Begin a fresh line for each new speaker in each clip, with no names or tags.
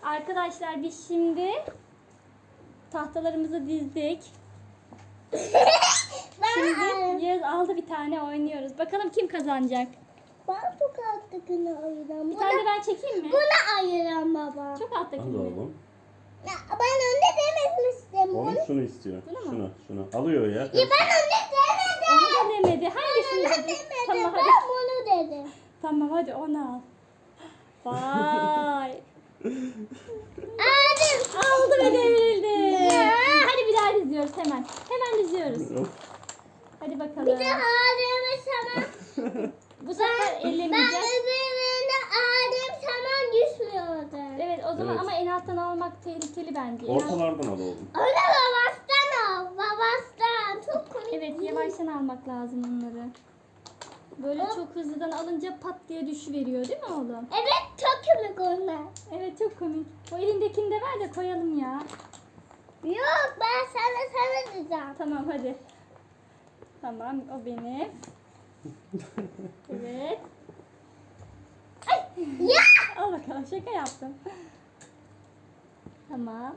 Arkadaşlar biz şimdi tahtalarımızı dizdik. Şimdi Yağız aldı bir tane oynuyoruz. Bakalım kim kazanacak?
Ben çok alttakini ayıram.
Bir tane de ben çekeyim mi?
Buna ayıram baba.
Çok alttakini
Al
mi?
oğlum.
Ya, ben önde dememiştim.
Oğlum şunu istiyor. Şunu. Alıyor ya.
Ya ben önde demedim.
Onu da demedi. Hangisini
Ben
dedi?
demedim.
Tamam
Ben
hadi.
bunu dedim.
Tamam hadi onu al. Vay.
Aldım.
Aldı ve devrildi.
Ya.
Hadi bir daha diziyoruz hemen. Hemen diziyoruz.
Of.
Hadi bakalım.
Bir de ağrımı sana.
Bu sefer
Ben
ellemeyeceğiz.
öbüründe ağrım sana düşmüyordu.
Evet o zaman
Evet.
ama en alttan almak tehlikeli bence.
Ortalardan al oğlum.
Onu babastan al. Babastan. Çok komik.
Evet yavaştan almak lazım onları. Böyle çok hızlıdan alınca pat diye düşüveriyor değil mi oğlum?
Evet çok komik onlar.
Evet çok komik. O elindekini de ver de koyalım ya.
Yok ben sana diyeceğim.
Tamam hadi. Tamam o benim. Evet.
Ya.
Al bakalım şaka yaptım. Tamam.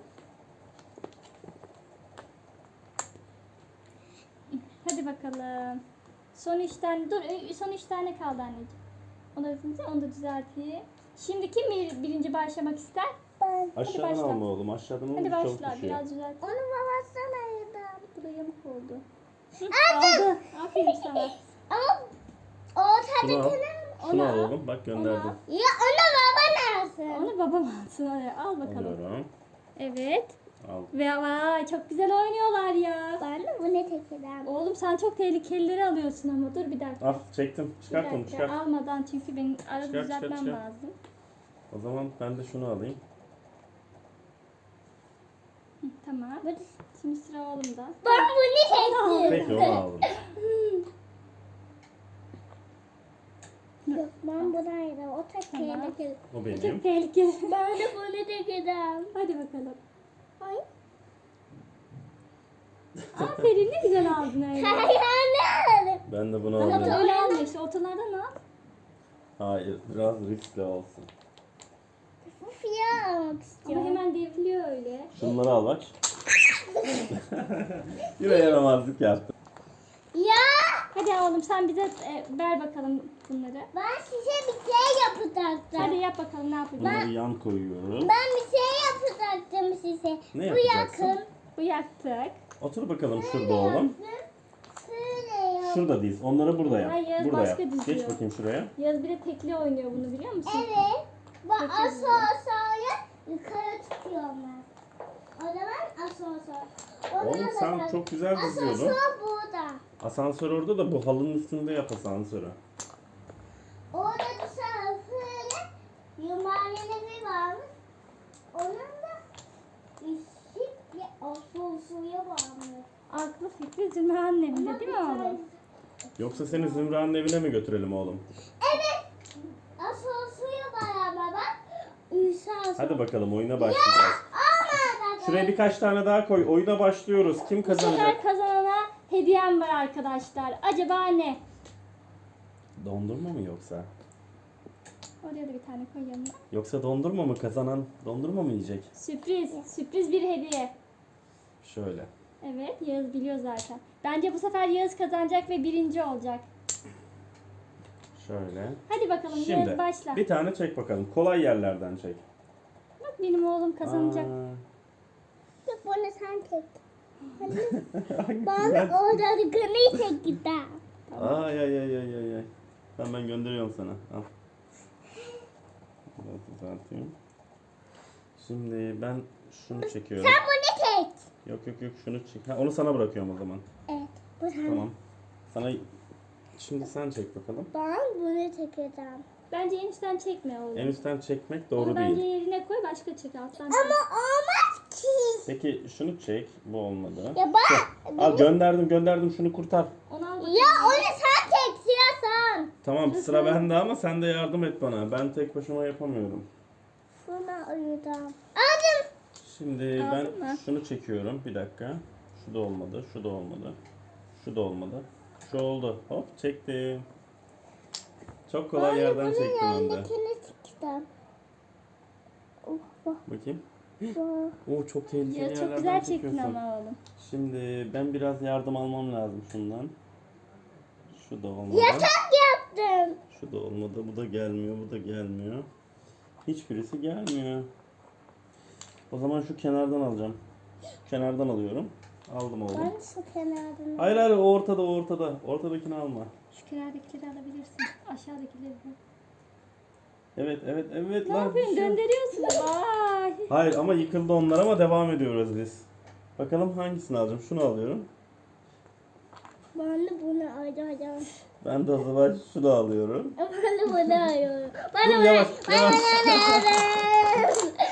Hadi bakalım. Son 3 tane son 3 tane kaldı anneciğim. Onu da düzelteyim. Şimdi kim birinci başlamak ister?
Ben.
Aşağıdan
başla.
alma oğlum. Aşağıdan
Hadi
olunca çabuk
başla
düşüyor.
biraz düzelt.
Onu babastan ayırdım.
Bu da yamuk oldu. Hı, aldı. Aferin sana.
Ama
Şunu al.
ortadakini.
Şunu
Onu
al
al.
oğlum. Bak gönderdim.
Ya onu baba alsın.
Onu babam alsın. Hadi al bakalım.
Alıyorum.
Evet.
Al.
Ve vay çok güzel oynuyorlar ya.
Ben de bunu tekrar.
Oğlum sen çok tehlikelileri alıyorsun ama dur bir dakika.
Al çektim.
Bir
Çıkart onu
dakika,
çıkart.
almadan çünkü benim arada
Çıkart,
düzeltmem
çıkart.
lazım.
O zaman ben de şunu alayım.
Hı, tamam. Şimdi sıra oğlumda.
Ben bunu
Peki
tekrar.
onu aldım.
Yok ben bunu ayırdım. O tek
Tamam.
tehlikeli.
O
Bu
benim.
çok tehlikeli.
Ben de bunu tekrar.
Hadi bakalım.
Ay.
Aferin ne güzel aldın öyle.
Hayır.
Ben de bunu
Ama
alayım.
öyle alma işte ortalardan al.
Hayır. Biraz riskli olsun.
Fiyat almak
Ama
istiyorum.
hemen devriliyor öyle.
Şunları al bak. Yine yaramazlık yaptım.
Ya
Hadi oğlum sen bize ver bakalım bunları.
ben size bir şey yapacaktım.
Hadi yap bakalım ne yapacaksın.
Bunları yan koyuyoruz.
Ben bir şey yapacaktım size.
Ne
Bu
yapacaksın?
yakın.
Bu yaktık.
Otur bakalım şurada oğlum.
Şöyle yap.
Şurada diz. Onları burada yap.
Hayır,
Burada
başka
yap.
diziyor.
Geç bakayım şuraya.
Yaz bir de tekli oynuyor bunu biliyor musun?
Evet. Bak
Peki.
asansöre yukarı çıkıyorlar. O zaman asansör.
Oğlum sen çok güzel diziyordun.
Asansör burada.
Asansör orada da bu halının üstünde yap asansörü.
Orada dışarı böyle yuvarlanı bir varmış. Onun da ışık bir asansöre varmış.
Aklı fikri Zümra annemde değil mi oğlum?
Yoksa seni Zümra'nın evine mi götürelim oğlum?
Evet. Asansöre beraber bak. Asansör.
Hadi bakalım oyuna başlayacağız.
Olmadı.
Şuraya birkaç tane daha koy. Oyuna başlıyoruz. Kim
Bu
kazanacak?
sefer kazanana hediyem var arkadaşlar. Acaba ne?
Dondurma mı yoksa?
Oraya da bir tane koy yanına.
Yoksa dondurma mı? Kazanan dondurma mı yiyecek?
Sürpriz. Sürpriz bir hediye.
Şöyle.
Evet Yağız biliyor zaten. Bence bu sefer Yağız kazanacak ve birinci olacak.
Şöyle.
Hadi bakalım Yağız
Şimdi
başla.
bir tane çek bakalım. Kolay yerlerden çek.
Bak benim oğlum kazanacak.
Yok bunu sen tek.
Hangisi
Bana
ben?
orada gri tek gider.
Ay ay ay ay ay ay. Tamam ben gönderiyorum sana. Al. Biraz düzelteyim. Şimdi ben şunu çekiyorum.
Sen bunu tek.
Yok yok yok şunu çek. Ha, onu sana bırakıyorum o zaman.
Evet. Bu sen.
Tamam. Sana şimdi sen çek bakalım.
Ben bunu çekeceğim.
Bence en üstten çekme oğlum.
En üstten çekmek
Onu
doğru
bence
değil.
yerine koy başka çek alttan.
Ama olmaz ki.
Peki şunu çek. Bu olmadı.
Ya ben.
Al gönderdim şunu kurtar.
Onu al
Ya
bakayım.
onu sen tek sen.
Tamam sıra bende ama sen de yardım et bana. Ben tek başıma yapamıyorum.
Şuna ayıracağım. Aldım.
Şimdi
Aldın
ben
mı?
şunu çekiyorum. Bir dakika. Şu da olmadı. Şu da olmadı. Şu da olmadı. Şu oldu. Hop çektim. Çok kolay yerden çektim hem de.
Yanındakini çekeceğim.
Bakayım.
Vah.
Oo çok tehlikeli
Ya çok
yerlerden
güzel çektin
çekiyorsun.
ama oğlum.
Şimdi ben biraz yardım almam lazım şundan. Şu da olmadı.
Yaptım.
Şu da olmadı. Bu da gelmiyor. Bu da gelmiyor. Hiçbirisi gelmiyor. O zaman şu kenardan alacağım. Şu kenardan alıyorum. Aldım oğlum.
Ben şu kenardan.
Hayır hayır o ortada o ortada. Ortadakini alma.
Şu kenardakileri alabilirsin. Aşağıdakileri de.
Evet evet evet.
Ne
lan,
yapıyorsun?
bir şey-
Döndürüyorsun. Vay.
Hayır ama yıkıldı onlar ama devam ediyoruz biz. Bakalım hangisini alacağım. Şunu alıyorum.
Ben de bunu arıyorum.
Ben de o zaman şunu alıyorum.
Ben de bunu arıyorum. Ben
Dur
de bunu
yavaş yavaş.
arıyorum.